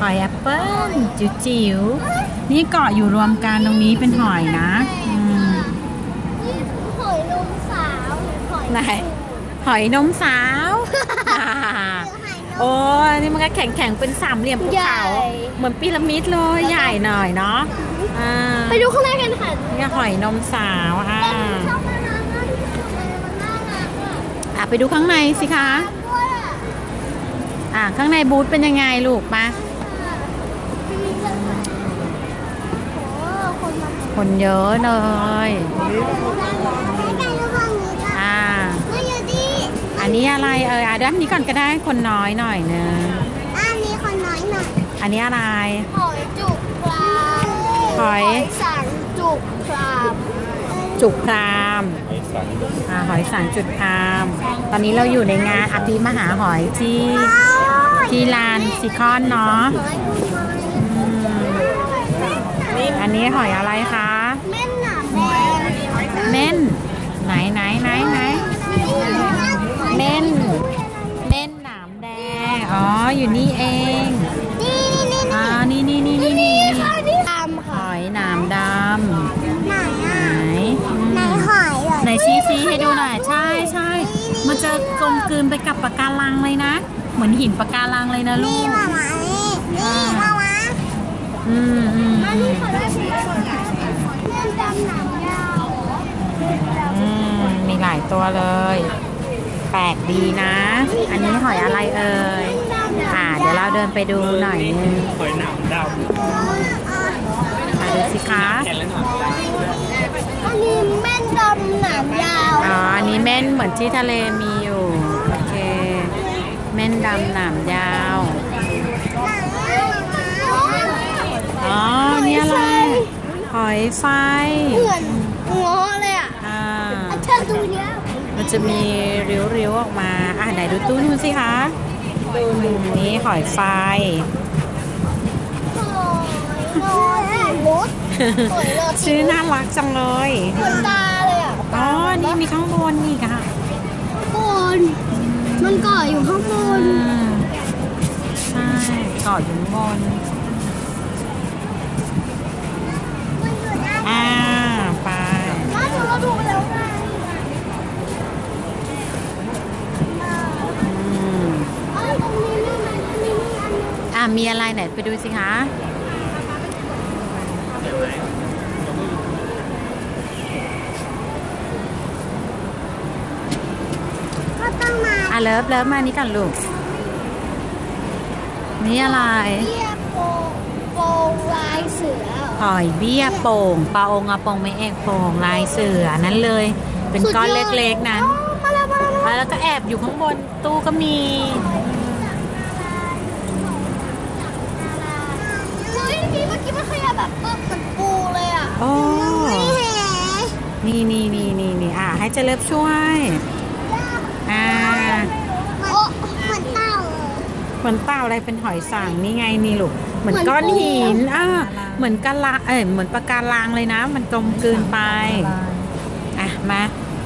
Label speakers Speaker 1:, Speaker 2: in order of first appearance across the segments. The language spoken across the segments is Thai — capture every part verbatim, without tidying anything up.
Speaker 1: อยแอปเปิ้ลจิ๋วๆนี่เกาะอยู่รวมกันตรงนี้เป็นหอยนะอืม
Speaker 2: นี่หอยนมสาวหรือหอย
Speaker 1: ไหนหอยนมสาว โอ้ยนี่มันก็แข็งๆเป็นสามเหลี่ยมภูเขาเหมือนพีระมิดเลยใหญ่หน่อยเนาะอ่า
Speaker 2: ไปดูข้างในกันค่ะ
Speaker 1: นี่หอยนมสาวอ่า
Speaker 2: ชอบน่ารักมากที่สุดเลยมันน่ารักอ่ะ
Speaker 1: อ่ะไปดูข้างในสิคะ
Speaker 2: ด้วยอ่ะ
Speaker 1: อ่ะข้างในบูธเป็นยังไงลูกมา
Speaker 2: มีเรื่องอะไรโอ้คนมา
Speaker 1: คนเยอะเลย
Speaker 2: ไม่ไกลแล้วฝั่งนี้จ้ะ
Speaker 1: อ่า
Speaker 2: ไม่อยู่ดี
Speaker 1: อันนี้อะไรเอออ่ะด้านนี้ก่อนก็ได้คนน้อยหน่อยเนอะ
Speaker 2: อันนี้คนน้อยหน่อย
Speaker 1: อันนี้อะไร
Speaker 2: หอยจุกปลา
Speaker 1: หอย
Speaker 2: สังจุกปลา
Speaker 1: จุกพรามอ่าหอยสังจุดพราม ตอนนี้เราอยู่ในงานอภิมหาหอยที่ที่ลานซิคอนเนาะอืมอันนี้หอยอะไรคะ
Speaker 2: เม่นหนามแดง
Speaker 1: เม่นไหนไหนไหนไหนเม่นเม่นหนามแดงอ๋ออยู่นี่เอง
Speaker 2: นี่นี่
Speaker 1: อ่านี่นี่นี่นี่นี่
Speaker 2: ค่ะนี่ตาม
Speaker 1: ห
Speaker 2: ค่ะ
Speaker 1: อยหนามดำ
Speaker 2: ไหน
Speaker 1: ไหน
Speaker 2: อ่ะ
Speaker 1: อืม
Speaker 2: ไหนหอยเหรอ
Speaker 1: ไหนชี้ชี้ให้ดูหน่อยใช่ใช่มันจะกลมกลืนไปกับปะการังเลยนะ เหมือนหินปะการังเลยนะลู
Speaker 2: นี่
Speaker 1: ก
Speaker 2: มามานี่นี่มามา
Speaker 1: อืมอืม
Speaker 2: มา
Speaker 1: อื
Speaker 2: นี่
Speaker 1: ม
Speaker 2: ขอได้สิเรื่องดำหนังยาว
Speaker 1: อืมมีหลายตัวเลย แปลกดีนะ อันนี้หอยอะไรเอ่ยอ่าเดี๋ยวเราเดินไปดูหน่อยนึง
Speaker 3: หอยหนามด
Speaker 1: อ่าดูสิคะ
Speaker 3: ำแค่ละหนามด
Speaker 2: อันนี้แม่นดำหนามยาว
Speaker 1: อ๋ออันนี้เม่นเหมือนที่ทะเลมีอยู่โอเคเม่นดำหนามยาวอ๋อนี่อะไรหอยไฟ
Speaker 2: เหมือนง้อเลยอ่ะ
Speaker 1: อ่า
Speaker 2: เชิญดูเนี้ย
Speaker 1: มันจะมีริ้วๆออกมาอ่ะไหนดูตู้นู้นสิคะนี่หอยไฟ
Speaker 2: หอยนอนสีมดหอยนอนสี
Speaker 1: ชื่อน่ารักจังเลย
Speaker 2: เหมือนตาเลยอ่ะ
Speaker 1: อ๋อนี่มีข้างบนนี่ค่ะ
Speaker 2: บนมันเกาะอยู่ข้างบน
Speaker 1: อืมใช่เกาะอยู่ข้างบนอ่าไป
Speaker 2: ล่าสุดเราดูไปแล้วไง
Speaker 1: อืม
Speaker 2: เอ้ยตรงนี้มีไหมมีมีอันนึง
Speaker 1: อ่ามีอะไรไหนไปดูสิคะ
Speaker 2: ก็ต้องมา
Speaker 1: อ่ะเลิฟเลิฟมานี่กันลูกนี่อะไร
Speaker 2: เรียกโปโปลายเสือ
Speaker 1: หอยเบี้ยโป่งปลาองอะปงไม่เอกโป่งลายเสือนั้นเลย เป็นก้อนเล็กๆนั้น
Speaker 2: มาแล้วมาแล้วมาแล้ว
Speaker 1: แล้วก็แอบอยู่ข้างบนตู้ก็มี
Speaker 2: เฮ้ยพี่เมื่อกี้มันขยับแบบปึ๊บเหมือนปูเลยอ่ะ
Speaker 1: โอ้
Speaker 2: ไม่เห็น
Speaker 1: นี่นี่นี่นี่นี่อ่ะให้เจเลิฟช่วยอ่า
Speaker 2: โอ้เหมือนเต่าเลย
Speaker 1: เหมือนเต่าอะไรเป็นหอยสังนี่ไงนี่ลูกเหมือนก้อนหินอ่าเหมือนกะลาเอ้ยเหมือนปะการังเลยนะ มันกลมกลืนไปอ่ะมา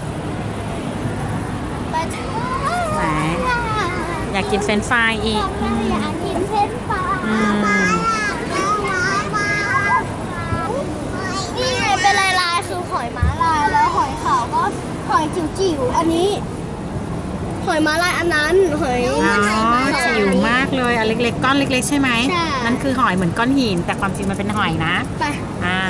Speaker 2: ไปเถอะ
Speaker 1: ไหนอยากกินเฟรนช์ฟรายอีก
Speaker 2: อยากกินเส้นปลา
Speaker 1: อืม
Speaker 2: นี่ไงเป็นลายลายๆคือหอยม้าลายแล้วหอยขาวก็หอยจิ๋วๆอันนี้ หอยม้าลายอันนั้นหอย
Speaker 1: อ๋อจิ๋วมากเลยอันเล็กๆก้อนเล็กๆใช่ไหม
Speaker 2: ใช่
Speaker 1: นั่นคือหอยเหมือนก้อนหินแต่ความจริงมันเป็นหอยนะ
Speaker 2: ไป
Speaker 1: อ่า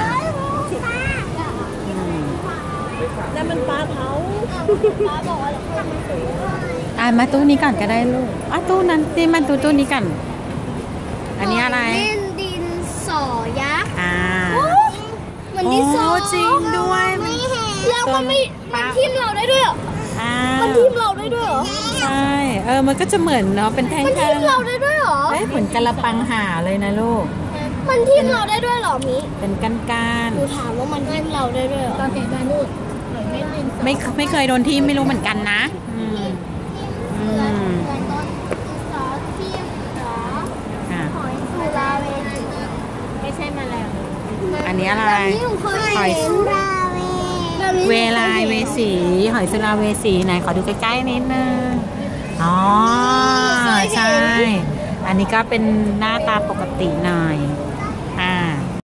Speaker 2: แล้วมันปลาเผาปลาบอกว่าเราเคยมาซื้อ
Speaker 1: อ่ะมาตู้นี้ก่อนก็ได้ลูกอ่ะตู้นั้นนี่มันตู้ตู้นี้ก่อนอันนี้อะไร
Speaker 2: เล่นดินสอยักษ์
Speaker 1: อ่า
Speaker 2: เหมือนดินสอ
Speaker 1: โอ้จริงด้วย
Speaker 2: ไม่เห็นแล้วมันไม่มันทิ่มเราได้ด้วยเหรอ
Speaker 1: อ่า
Speaker 2: มันทิ่มเราได้ด้วยเหรอ
Speaker 1: ใช่เออมันก็จะเหมือนเนาะเป็นแท่ง
Speaker 2: มัน
Speaker 1: ๆ
Speaker 2: ทิ่มเราได้ด้วยเหรอ
Speaker 1: เอ้ยเหมือนกะละปังห่าเลยนะลูก
Speaker 2: มันทิ่มเราได้ด้วยเหรอมิ
Speaker 1: เป็นก้าน
Speaker 2: หนูถามว่ามันทิ่มเราได้ด้วยเหรอตอนเห็นมานูดหอยเม่นดิน
Speaker 1: ๆไม่ไม่เคยโดนที่ไม่รู้เหมือนกันนะอืมอื
Speaker 2: เหมือน
Speaker 1: ม
Speaker 2: เหมือนต้นดินสอทิ่มเหรอ
Speaker 1: อ่ะ
Speaker 2: หอยสุราเวนีไม่ใช่แมลง
Speaker 1: อันนี้อะไร
Speaker 2: แบบนี้หนูเคยเห็นราเว
Speaker 1: เวลายเวสีหอยสุราเวสีไหนขอดูใกล้ๆนิดนึงอ๋อใช่อันนี้ก็เป็นหน้าตาปกติหน่อย